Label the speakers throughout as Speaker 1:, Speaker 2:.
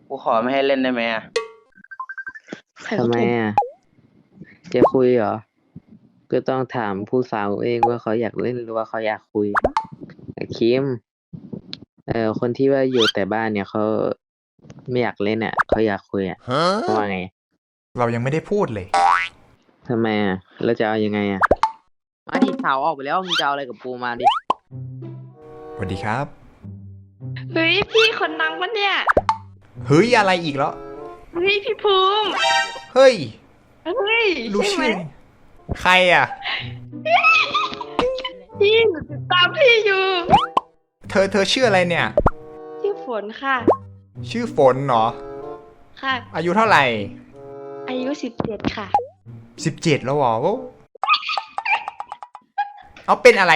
Speaker 1: กูขอไม่ให้เล่นได้ไหมอ่ะ
Speaker 2: ทำไมอ่ะจะคุยเหรอก็ต้องถามผู้สาวเองว่าเขาอยากเล่นหรือว่าเขาอยากคุยคิมคนที่ว่าอยู่แต่บ้านเนี่ยเขาไม่อยากเล่นอ่ะเขาอยากคุยอ่ะเขาว่าไง
Speaker 3: เรายังไม่ได้พูดเลย
Speaker 2: ทำไมอ่ะแล้วจะเอายังไงอ่ะมาดิสาวออกไปแล้วมึงจะเอาอะไรกับปูมาดิ
Speaker 3: สวัสดีครับ
Speaker 4: เฮ้ยพี่คนดังปะเนี่ย
Speaker 3: เฮ้ยอะไรอีกแล้ว
Speaker 4: เฮ้ยพี่ภูมิ
Speaker 3: เฮ้ย
Speaker 4: เฮ้ย
Speaker 3: รู้
Speaker 4: ใช่ไหม
Speaker 3: ชื่อใครอ่ะ
Speaker 4: พี่หนูติดตามพี่อยู่
Speaker 3: เธอชื่ออะไรเนี่ย
Speaker 4: ชื่อฝนค่ะ
Speaker 3: ชื่อฝนเหรอ
Speaker 4: ค่ะ
Speaker 3: อายุเท่าไหร่
Speaker 4: อายุ17ค่ะ
Speaker 3: 17แล้วเหรอเอาเป็นอะไร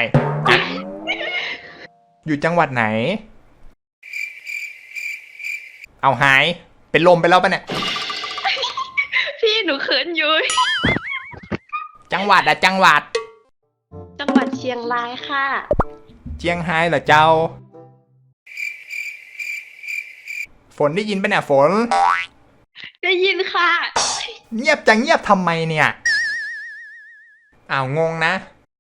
Speaker 3: อยู่จังหวัดไหนเอาหายเป็นลมไปแล้วปะเนี่ย
Speaker 4: พี่หนูเขินอยู่
Speaker 3: จังหวัดจังหวัด
Speaker 4: เชียงรายค่ะ
Speaker 3: เจียงไฮ้เหรอเจ้าฝนได้ยินปะเนี่ยฝน
Speaker 4: ได้ยินค่ะ
Speaker 3: เงียบทำไมเนี่ยอ้าวงงนะ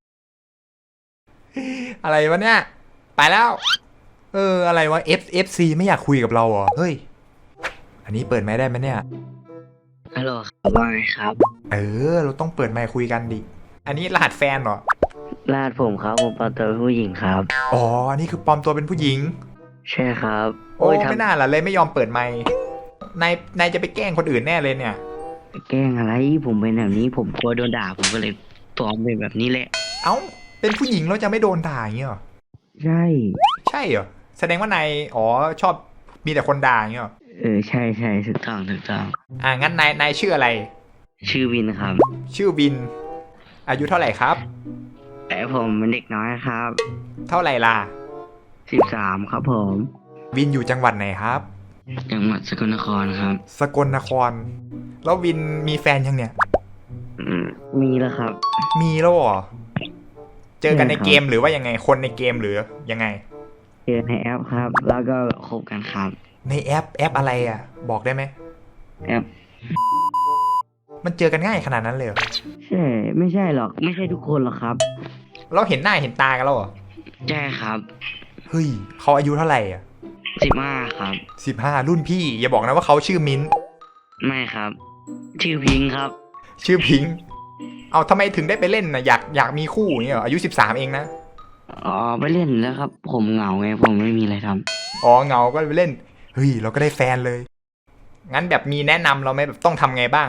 Speaker 3: อะไรวะเนี่ยไปแล้วอะไรวะ FC ไม่อยากคุยกับเราเหรอเฮ้ยอันนี้เปิดไมค์ได้ไหมเนี่ย
Speaker 2: ฮัลโหลครับว่าไงครับ
Speaker 3: เราต้องเปิดไมค์คุยกันดิอันนี้รหัสแฟนเหรอ
Speaker 2: รหัสผมครับผมปลอมตัวเป็นผู้หญิงครับ
Speaker 3: อ๋ออันนี้คือปลอมตัวเป็นผู้หญิง
Speaker 2: ใช่ครับ
Speaker 3: โอ้ไม่น่าล่ะเลยไม่ยอมเปิดไมค์นายจะไปแกล้งคนอื่นแน่เลยเนี่ย
Speaker 2: แกล้งอะไรผมเป็นแบบนี้ผมกลัวโดนด่าผมก็เลยปลอมเป็นแบบนี้แหละ
Speaker 3: เอ้าเป็นผู้หญิงเราจะไม่โดนด่าอย่างเงี้ยหรอ
Speaker 2: ใช่
Speaker 3: เหรอแสดงว่านายชอบมีแต่คนด่าอย่างเงี้ยหรอ
Speaker 2: ใช่ถูกต้อง
Speaker 3: งั้นนายชื่ออะไร
Speaker 2: ชื่อวินครับ
Speaker 3: ชื่อวินอายุเท่าไหร่ครับ
Speaker 2: แต่ผมเป็นเด็กน้อยครับ
Speaker 3: เท่าไหร่ล่ะ
Speaker 2: 13ครับผม
Speaker 3: วินอยู่จังหวัดไหนครับ
Speaker 2: จังหวัดสกลนครครับ
Speaker 3: สกลนครแล้ววินมีแฟนยังเนี่ย
Speaker 2: มีแล้วครับ
Speaker 3: มีแล้วเหรอเจอกันในเกมหรือว่ายังไงคนในเกมหรือยังไง
Speaker 2: เจอในแอปครับแล้วก็คบกันครับ
Speaker 3: ในแอปอะไรอ่ะบอกได้ไหม
Speaker 2: แอป
Speaker 3: มันเจอกันง่ายขนาดนั้นเลยเหรอ
Speaker 2: ใช่ไม่ใช่หรอกไม่ใช่ทุกคนหรอกครับ
Speaker 3: เราเห็นหน้าเห็นตากันแล้วเหรอ
Speaker 2: ใช่ครับ
Speaker 3: เฮ้ยเขาอายุเท่าไหร่อ่ะ
Speaker 2: 15ครับ
Speaker 3: 15รุ่นพี่อย่าบอกนะว่าเขาชื่อมิ้น
Speaker 2: ไม่ครับชื่อพิงครับ
Speaker 3: ชื่อพิงเอาทำไมถึงได้ไปเล่นนะอยากมีคู่อย่างเงี้ยเหรออายุ13เองนะ
Speaker 2: ไปเล่นแล้วครับผมเหงาไงผมไม่มีอะไรท
Speaker 3: ำเหงาก็ไปเล่นเฮ้ยเราก็ได้แฟนเลยงั้นแบบมีแนะนำเราไหมแบบต้องทำไงบ้าง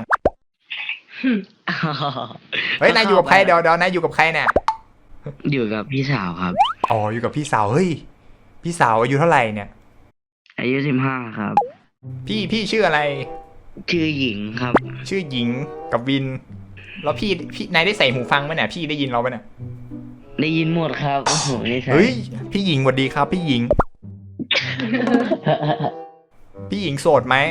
Speaker 3: เฮ้ยนายอยู่กับใครเดี๋ยวนายอยู่กับใครเนี่ย
Speaker 2: อยู่กับพี่สาวครับ
Speaker 3: อยู่กับพี่สาวเฮ้ยพี่สาวอายุเท่าไหร่เนี่ย
Speaker 2: อายุ15ครับ
Speaker 3: พี่ชื่ออะไร
Speaker 2: ชื่อหญิงครับ
Speaker 3: ชื่อหญิงกับวินแล้วพี่นายได้ใส่หูฟังไหมเนี่ยพี่ได้ยินเราไหมเนี่ย
Speaker 2: ได้ยินหมดครับโอ้โหนี่ใช่
Speaker 3: เฮ้ยพี่หญิงสวัสดีครับพี่หญิง พี่หญิงโสดไหม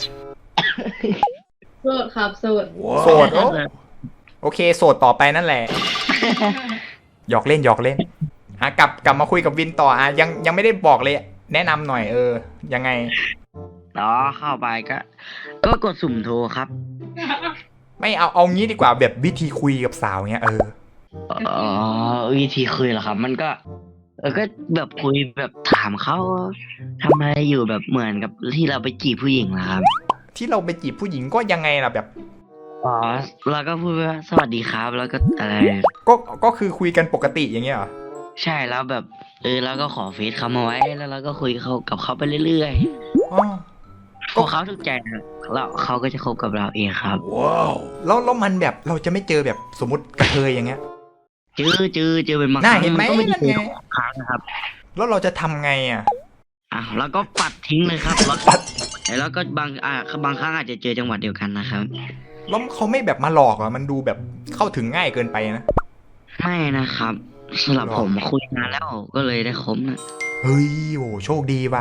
Speaker 4: โสดครับโสด
Speaker 3: โอเคโสดต่อไปนั่นแหละหยอกเล่นกลับมาคุยกับวินต่อยังไม่ได้บอกเลยแนะนำหน่อยยังไง
Speaker 2: เข้าไปก็กดสุ่มโทรครับ
Speaker 3: ไม่เอางี้ดีกว่าแบบวิธีคุยกับสาวเงี้ย
Speaker 2: วิธีคุยเหรอครับมันก็ก็แบบคุยแบบถามเขาทำอะไรอยู่แบบเหมือนกับที่เราไปจีบผู้หญิงนะครับ
Speaker 3: ที่เราไปจีบผู้หญิงก็ยังไงล่ะแบบ
Speaker 2: เราก็พูดว่าสวัสดีครับแล้วก็อะไร
Speaker 3: ก็คือคุยกันปกติอย่างเงี้ยเหรอ
Speaker 2: ใช่แล้วแบบแล้วก็ขอเฟซเขามาไว้แล้วเราก็คุยกับเขาไปเรื่อยๆพอเขาถูกใจแล้วเขาก็จะคบกับเราเองครับ
Speaker 3: ว้าวแล้วมันแบบเราจะไม่เจอแบบสมมติกระเทยอย่างเงี้ย
Speaker 2: เจอเป็นบาง
Speaker 3: ครั้งเห็นไหม
Speaker 2: ก็ไม่ได้เจอครั้งนะครับ
Speaker 3: แล้วเราจะทำไง
Speaker 2: แล้วก็ปัดทิ้งเลยครับแล้วก็บางครั้งอาจจะเจอจังหวัดเดียวกันนะครับ
Speaker 3: แล้วเขาไม่แบบมาหลอกมันดูแบบเข้าถึงง่ายเกินไปนะ
Speaker 2: ไม่นะครับสำหรับผมคุยนานแล้วก็เลยได้คบนะ
Speaker 3: เฮ้ยโอ้โชคดีว่ะ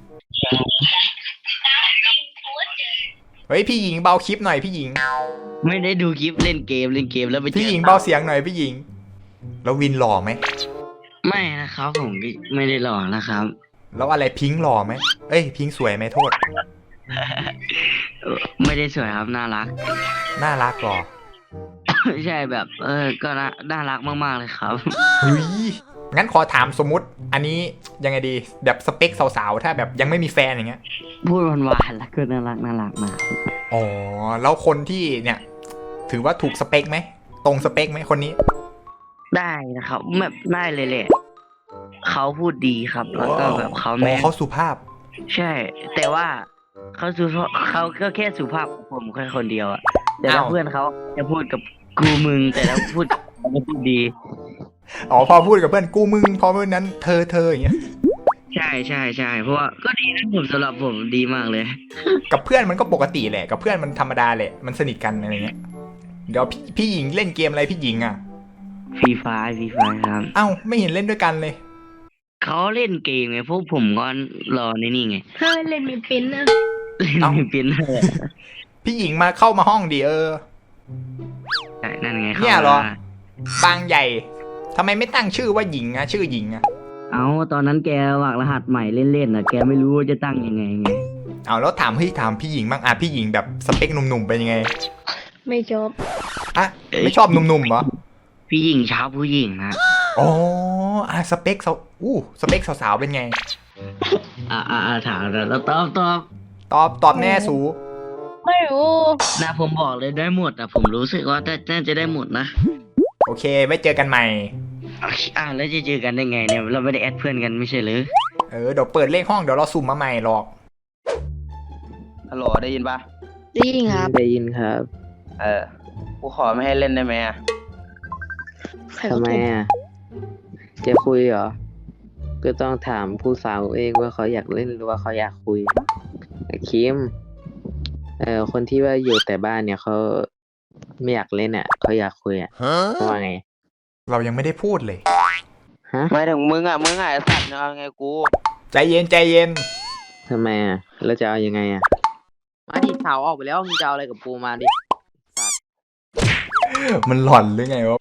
Speaker 3: เฮ้ยพี่หญิงเบาคลิปหน่อยพี่หญิง
Speaker 2: ไม่ได้ดูคลิปเล่นเกมแล้วไป
Speaker 3: พี่หญิงเบาเสียงหน่อยพี่หญิงแล้ววินหล่อไหม
Speaker 2: ไม่นะครับผมไม่ได้หล่อนะครับ
Speaker 3: แล้วอะไรพิงค์หล่อไหมเอ้ยพิงค์สวยไหมโทษ
Speaker 1: ไม่ได้สวยครับน่ารัก
Speaker 3: น่ารักหรอ
Speaker 1: ไม่ใช่แบบ ก็น่ารักมากๆเลยครับ
Speaker 3: เฮ้ยงั้นขอถามสมมุติ อันนี้ยังไงดีแบบสเปคสาวๆถ้าแบบยังไม่มีแฟนอย่างเงี้ย
Speaker 1: พูดหวานๆแล้วก็น่ารักมาก
Speaker 3: อ๋อแล้วคนที่เนี่ย ถือว่าถูกสเปคไหมตรงสเปคไหมคนนี้
Speaker 1: ได้นะครับแบบได้เลยแหละเขาพูดดีครับ แล้วก็แบบเขา
Speaker 3: อ๋
Speaker 1: แม่
Speaker 3: อน เขาสุภาพ
Speaker 1: ใช่ แต่ว่าเขาก็แค่สุภาพกับผมแค่คนเดียวอะแต่ถ้า
Speaker 3: อ้าว
Speaker 1: เพื่อนเขาจะพูดกับกูมึง แต่ถ้าพูดกับเขาไม่พูดดี
Speaker 3: อ๋อพอพูดกับเพื่อนกูมึงพอเพื่อนนั้นเธออย่างเงี้ย
Speaker 1: ใช่เพราะว่าก็ดีนะผมสำหรับผมดีมากเลย
Speaker 3: กับเพื่อนมันก็ปกติแหละกับเพื่อนมันธรรมดาแหละมันสนิทกันอะไรเงี้ยเดี๋ยวพี่หญิงเล่นเกมอะไรพี่หญิงอ่ะ
Speaker 1: ฟรีไฟครับ
Speaker 3: เอ้าไม่เห็นเล่นด้วยกันเลย
Speaker 1: เขาเล่นเกมไงพวกผมก็รอในนี่ไง
Speaker 4: เฮ้ยเล่นมีปิ้นนะ
Speaker 1: เล่น
Speaker 3: เอ้า
Speaker 1: ไม่เป็นเลย
Speaker 3: พี่หญิงมาเข้ามาห้องดิ
Speaker 1: ใช่นั่นไง
Speaker 3: เนี่ยเหรอ
Speaker 1: ข้ามา
Speaker 3: บางใหญ่ทำไมไม่ตั้งชื่อว่าหญิงอะชื่อหญิงอะ
Speaker 1: เอาตอนนั้นแกวางรหัสใหม่เล่นๆน่ะแกไม่รู้ว่าจะตั้งยังไงไง
Speaker 3: เอาแล้วถามพี่หญิงบ้างอ่ะพี่หญิงแบบสเปคหนุ่มๆเป็นยังไง
Speaker 4: ไม่จบ
Speaker 3: อ่ะไม่ชอบหนุ่มๆเหรอ
Speaker 1: พี่หญิงชอบผู้หญิงนะ
Speaker 3: อ๋ออ่ะสเปคสเปคสาวๆเป็นไง
Speaker 1: ถามแล้วตอบ
Speaker 3: ตอบแน่สู
Speaker 4: ไม่รู้
Speaker 1: นะผมบอกเลยได้หมดอ่ะผมรู้สึกว่าน่าจะได้หมดนะ
Speaker 3: โอเคไว้เจอกันใหม่
Speaker 1: แล้วจะเจอกันได้ไงเนี่ยเราไม่ได้แอดเพื่อนกันไม่ใช่หรือ
Speaker 3: เดี๋ยวเปิดเลขห้องเดี๋ยวเราสุ่มมาใหม่หรอก
Speaker 5: ฮัลโหลได้ยินปะ
Speaker 4: ได้ยินครับ
Speaker 2: ได้ยินครับ
Speaker 5: กูขอไม่ให้เล่นได้ไหมอะ
Speaker 2: ทำไมอ่ะ จะคุยเหรอ ก็ต้องถามผู้สาวเองว่าเขาอยากเล่นหรือว่าเขาอยากคุยคิม คนที่ว่าอยู่แต่บ้านเนี่ยเขาไม่อยากเล่นอ่ะเขาอยากคุยอ่ะว่าไง
Speaker 3: เรายังไม่ได้พูดเลย
Speaker 2: ฮะ
Speaker 5: ไม่ถึงมึงไอ้สัตว์เอาไงกู
Speaker 3: ใจเย็น
Speaker 2: ทำไมอ่ะ แล้วจะเอายังไงอ่ะ มาดิสาวออกไปแล้วมึงจะเอาอะไรกับปูมาดิ
Speaker 3: มันหล่อนหรือไงวะ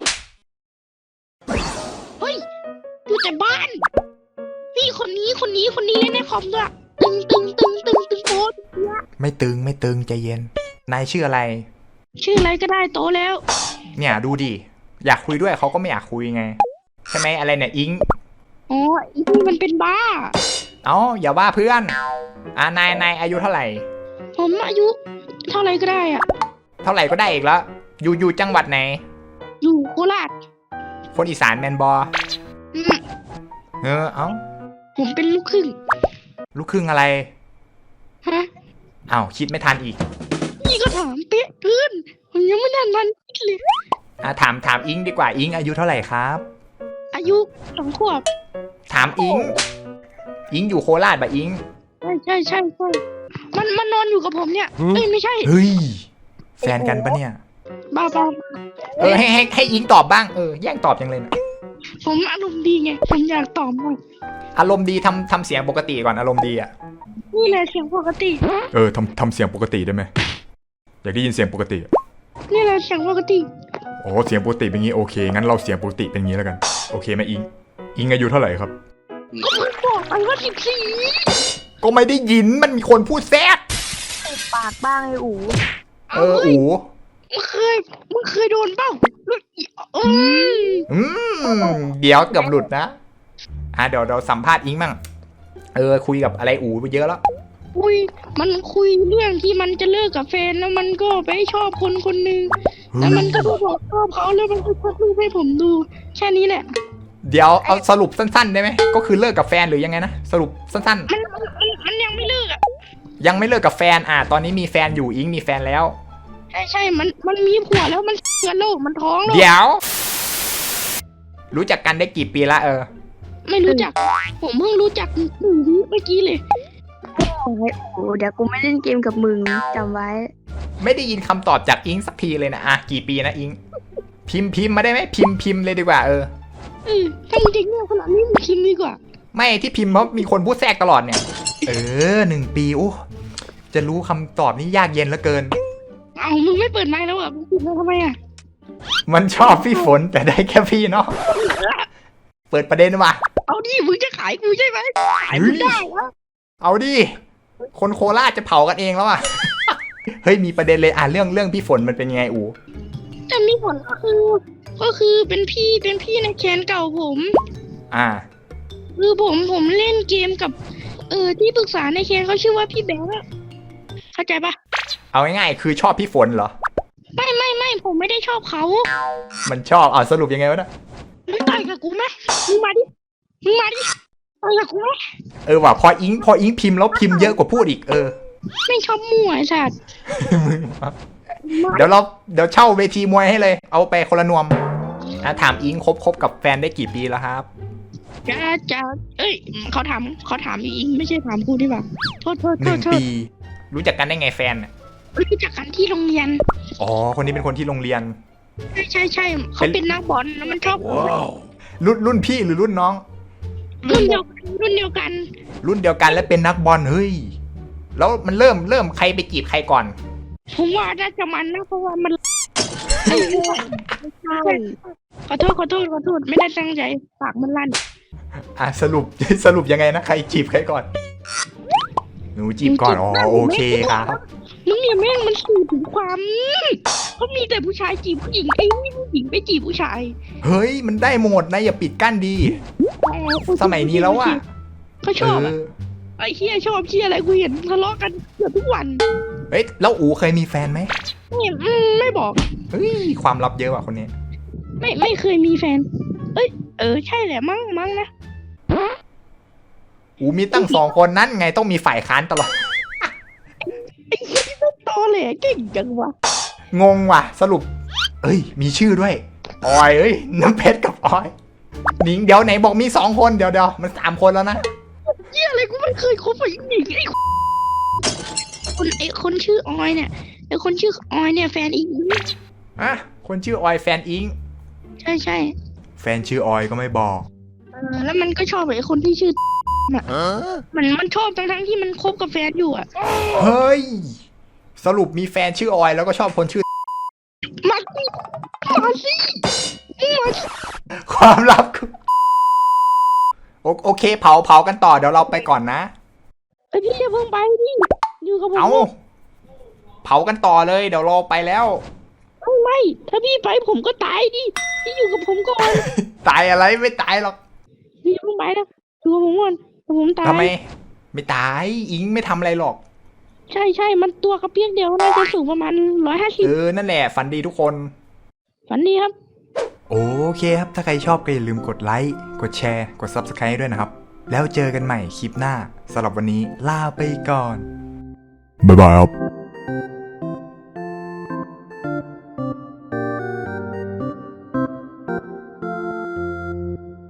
Speaker 4: เฮ้ยอยู่แต่บ้าน พี่คนนี้เล่นในคอมด้วยตึงโพส
Speaker 3: ไม่ตึงใจเย็น นายชื่ออะไร
Speaker 4: ชื่ออะไรก็ได้โตแล้ว
Speaker 3: เนี่ยดูดิ อยากคุยด้วยเขาก็ไม่อยากคุยไง ใช่ไหมอะไรเนี่ยอิง
Speaker 4: อ๋ออีนี่มันเป็นบ้า
Speaker 3: เอ้าอย่าว่าเพื่อน นายอายุเท่าไหร่
Speaker 4: ผมอายุเท่าไรก็ได้อ่ะ
Speaker 3: เท่าไหร่ก็ได้อีกแล้ว อยู่จังหวัดไหน
Speaker 4: อยู่โคราช
Speaker 3: คนอีสานแมนบอ
Speaker 4: อืม
Speaker 3: เอ้า
Speaker 4: ผมเป็นลูกครึ่ง
Speaker 3: ลูกครึ่งอะไร
Speaker 4: ฮะ
Speaker 3: เอ้าคิดไม่ทันอีก
Speaker 4: นี่ก็ถามเป๊ะเพื่อนผมยังไม่ทันคิดเลย
Speaker 3: ถามอิงดีกว่าอิงอายุเท่าไหร่ครับ
Speaker 4: อายุ2 ขวบ
Speaker 3: ถามอิงอยู่โคราชปะอิง
Speaker 4: ใช่มันนอนอยู่กับผมเนี่ยเอ้ยไม่ใช่
Speaker 3: เฮ้ย แฟนกันปะเนี่ย
Speaker 4: บ้า
Speaker 3: ให้อิงตอบบ้างแย่งตอบยังเลยนะ
Speaker 4: ผมอารมณ์ดีไงผมอยากตอบมัน
Speaker 3: อารมณ์ดีทำเสียงปกติก่อนอารมณ์ดีอ่ะ
Speaker 4: นี่แหละเสียงปกติ
Speaker 3: ทำเสียงปกติได้ไหมอยากได้ยินเสียงปกติ
Speaker 4: นี่แหละเสียงปกติ
Speaker 3: อ๋อเสียงปกติเป็นงี้โอเคงั้นเราเสียงปกติเป็นงี้แล้วกันโอเคไหมอิงอายุเท่าไหร่ครับ
Speaker 4: ก็เพิ่งบอกไปว่า14
Speaker 3: ก็ไม่ได้ยินมันมีคนพูดแทรก
Speaker 4: ปากบ้างไอ้อู๋
Speaker 3: อู๋
Speaker 4: มึงเคยโดนเปล่าอืม
Speaker 3: เดี๋ยวเกือบหลุดนะเดี๋ยวเราสัมภาษณ์อิงมั่งคุยกับอะไรอู๋ไปเยอะแล้ว
Speaker 4: มันคุยเรื่องที่มันจะเลิกกับแฟนแล้วมันก็ไปชอบคนหนึ่งแล้วมันก็ไปบอกชอบเขาแล้วมันก็ชักรูปให้ผมดูแค่นี้แหละ
Speaker 3: เดี๋ยวเอาสรุปสั้นๆได้ไหมก็คือเลิกกับแฟนหรือยังไงนะสรุปสั้น
Speaker 4: มันยังไม่เลิกอ่ะ
Speaker 3: ๆยังไม่เลิกกับแฟนตอนนี้มีแฟนอยู่อิงมีแฟนแล้ว
Speaker 4: ใช่มันมีผัวแล้วมันเกิดโรคมันท้องแล้ว
Speaker 3: เดี๋ยว รู้จักกันได้กี่ปีละ
Speaker 4: ไม่รู้จัก ผมเพิ่งรู้จัก1 วิเมื่อกี้เลย
Speaker 6: โอ้เดี๋ยวกูไม่เล่นเกมกับมึงจำไว้
Speaker 3: ไม่ได้ยินคำตอบจากอิงสักทีเลยนะกี่ปีนะอิงพิมพ์มาได้ไหมพิมพ์เลยดีกว่า
Speaker 4: ถ้ามึงจริงเนี่ยขนาดนี้มึงคิดดีกว่า
Speaker 3: ไม่ที่พิมพ์เพราะมีคนพูดแทรกตลอดเนี่ย1 ปีโอ้จะรู้คำตอบนี่ยากเย็นเหลือเกิน
Speaker 4: มึงไม่เปิดไมค์แล้วอ่ะมึงปิดไมค์ทำไมอ่ะ
Speaker 3: มันชอบพี่ฝนแต่ได้แค่พี่เนาะเปิดประเด็นว่ะ
Speaker 4: เอาดิมึงจะขายกูใช่ไหมขายมึงได้วะ
Speaker 3: เอาดิ คนโคราชจะเผากันเองแล้วอ่ะ เฮ้ยมีประเด็นเลยเรื่องพี่ฝนมันเป็นยังไงอู
Speaker 4: แต่มีผลก็คือเป็นพี่ในแคนเก่าผม
Speaker 3: อ่า
Speaker 4: คือผมเล่นเกมกับที่ปรึกษาในแคนเขาชื่อว่าพี่แบงค์อะเข้าใจปะ
Speaker 3: เอาง่ายๆคือชอบพี่ฝนเหรอ
Speaker 4: ไม่ผมไม่ได้ชอบเขา
Speaker 3: มันชอบสรุปยังไงวะเนะ
Speaker 4: มึงต่อยกับกูไหมมึงมาดิต่อยกับกูไหม
Speaker 3: ว่ะพออิงพิมพ์แล้วพิมพ์เยอะกว่าพูดอีก
Speaker 4: ไม่ชอบมั่วไอ้สัตว์
Speaker 3: เดี๋ยวเช่าเวทีมวยให้เลย เอาไปคนละนวมถามอิงคบกับแฟนได้กี่ปีแล้วครับ
Speaker 4: จะเขาถามอิงไม่ใช่ถามกูดีกว่าโทษ
Speaker 3: 1 ปี รู้จักกันได้ไงแฟนน่ะ
Speaker 4: รู้จักกันที่โรงเรียน
Speaker 3: อ๋อคนนี้เป็นคนที่โรงเรียน
Speaker 4: ใช่เขาเป็นนักบอลแล้วมันชอบ
Speaker 3: รุ่นพี่หรือรุ่นน้อง
Speaker 4: รุ่นเดียวกัน
Speaker 3: รุ่นเดียวกันและเป็นนักบอลเฮ้ยแล้วมันเริ่มใครไปจีบใครก่อน
Speaker 4: ผมว่าน่าจะมันนะเพราะว่ามัน
Speaker 6: ใช่
Speaker 4: ขอโทษไม่ได้ตั้งใจปากมันลั่น
Speaker 3: สรุปยังไงนะใครจีบใครก่อนหนูจีบก่อนโอเคครับ
Speaker 4: มึงเนี่ยแม่งมันสื่อถึงความเขามีแต่ผู้ชายจีบผู้หญิงไอ้นี่ผู้หญิงไปจีบผู้ชาย
Speaker 3: เฮ้ยมันได้หมดนะอย่าปิดกั้นดี สมัยนี้แล้วอ่ะ
Speaker 4: เขาชอบไอ้เฮียชอบเฮียอะไรกูเห็นทะเลาะกันเกือบทุกวัน
Speaker 3: เฮ้ยแล้วอูเคยมีแฟนไหม
Speaker 4: ไม่บอก
Speaker 3: เฮ้ยความลับเยอะว่ะคนนี้
Speaker 4: ไม่เคยมีแฟนใช่แหละมั้งนะ
Speaker 3: อูมีตั้ง2 คนนั้นไงต้องมีฝ่ายค้านตลอด
Speaker 4: ไอ้เฮียที่ต้องตอแหลเก่งจังวะ
Speaker 3: งงว่ะสรุปมีชื่อด้วยออยน้ำเพชรกับออยหนิงเดี๋ยวไหนบอกมี2 คนเดี๋ยวมัน3 คนแล้วนะ
Speaker 4: เฮียอะไรกูไม่เคยคบกับหญิงคนชื่อออยเนี่ยคนชื่อออยเนี่ยแฟนอีก
Speaker 3: คนชื่อออยแฟนอิง
Speaker 4: ใช่
Speaker 3: แฟนชื่อออยก็ไม่บอก
Speaker 4: แล้วมันก็ชอบไอ้คนที่ชื่อน่ะมันชอบทั้งที่มันคบกับแฟนอยู่อ่ะ
Speaker 3: เฮ้ยสรุปมีแฟนชื่อออยแล้วก็ชอบคนชื่อ
Speaker 4: มาสิ
Speaker 3: ความลับคือโอเคเผากันต่อเดี๋ยวเราไปก่อนนะ
Speaker 4: พี่อย่าเพิ่งไปดิอยู่กับผม
Speaker 3: เอาเผากันต่อเลยเดี๋ยวเราไปแล้ว
Speaker 4: ไม่ถ้าพี่ไปผมก็ตายดิพี่อยู่กับผมก่อน
Speaker 3: ตายอะไรไม่ตายหรอก
Speaker 4: พี่อย่าเพิ่งไปนะอยู่กับผมก่อนผมตาย
Speaker 3: ทำไมไม่ตายอิงไม่ทำอะไรหรอก
Speaker 4: ใช่มันตัวกระเปียกเดียวน่าจะสูงประมาณ150
Speaker 3: นั่นแหละฝันดีทุกคน
Speaker 4: ฝันดีครับ
Speaker 3: โอเคครับถ้าใครชอบก็อย่าลืมกดไลค์กดแชร์กด Subscribe ด้วยนะครับแล้วเจอกันใหม่คลิปหน้าสำหรับวันนี้ลาไปก่อนบ๊ายบายครับ